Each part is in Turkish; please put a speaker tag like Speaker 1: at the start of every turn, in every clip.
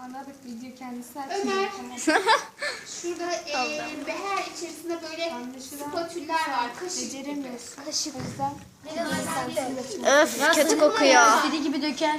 Speaker 1: Ana bak video kendisi
Speaker 2: Ömer.
Speaker 1: açıyor.
Speaker 2: Şurada beher içerisinde böyle spatüller var. Kaşık.
Speaker 1: Beceremiyorsun.
Speaker 3: Kaşık.
Speaker 1: O yüzden
Speaker 4: Öf kötü kokuyor.
Speaker 3: Sirke gibi döker.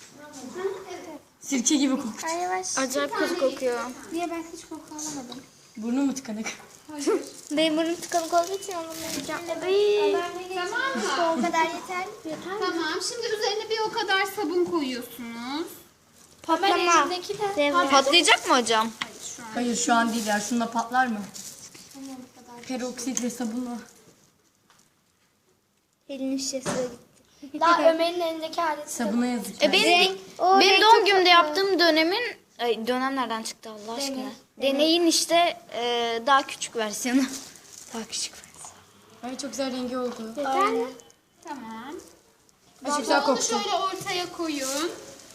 Speaker 3: Sirke gibi kokuyor.
Speaker 1: Ay yavaş.
Speaker 4: Acayip kötü kokuyor.
Speaker 1: Niye ben hiç koku alamadım?
Speaker 3: Burnum mu tıkanık?
Speaker 1: Benim burnum tıkanık olduğu için alamayacağım.
Speaker 2: Tamam mı?
Speaker 1: O kadar yeter. Yeter.
Speaker 2: Tamam. Şimdi üzerine bir o kadar sabun koyuyorsunuz.
Speaker 1: Patlama.
Speaker 4: Patlayacak mı hocam?
Speaker 2: Şu an.
Speaker 3: Hayır şu an değil ya. Şununla patlar mı? Peroksit ve sabunla.
Speaker 1: Elinin şişesi de gitti. Daha Ömer'in elindeki aleti.
Speaker 3: Sabuna yazık.
Speaker 4: Benim doğum günümde yaptığım dönem nereden çıktı Allah aşkına? Deneyin işte daha küçük versiyonu. Daha küçük versiyonu.
Speaker 3: Ay çok güzel rengi oldu.
Speaker 1: Yeter mi?
Speaker 2: Tamam.
Speaker 3: Ay çok
Speaker 2: Şimdi
Speaker 3: güzel
Speaker 2: onu
Speaker 3: koktu.
Speaker 2: şöyle ortaya koyun.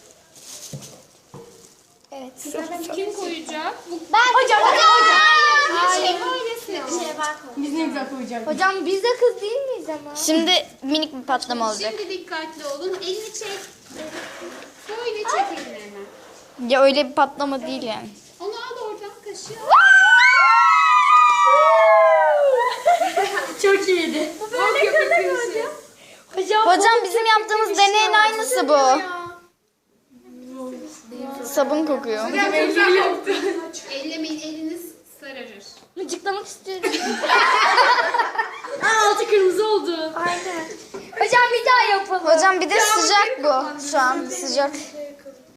Speaker 1: Evet.
Speaker 2: Kim koyacak? Bu
Speaker 1: Hocam.
Speaker 2: şey böylesi.
Speaker 3: Biz ne güzel koyacaktık.
Speaker 1: Hocam biz de kız değil miyiz ama?
Speaker 4: Şimdi minik bir patlama olacak.
Speaker 2: Şimdi dikkatli olun. Elini çek. Böyle çek elini hemen.
Speaker 4: Ya öyle bir patlama değil yani.
Speaker 2: Onu al oradan kaşığı.
Speaker 3: Çok iyiydi.
Speaker 4: Hocam bizim yaptığımız deneyin aynısı bu. Sabun kokuyor.
Speaker 2: Ellemeyin, eliniz sararır.
Speaker 1: Mıcıklamak istiyorum.
Speaker 3: Altı kırmızı oldu.
Speaker 1: Aynen. Hocam bir daha yapalım.
Speaker 4: Hocam bir de sıcak bu. Şu an sıcak.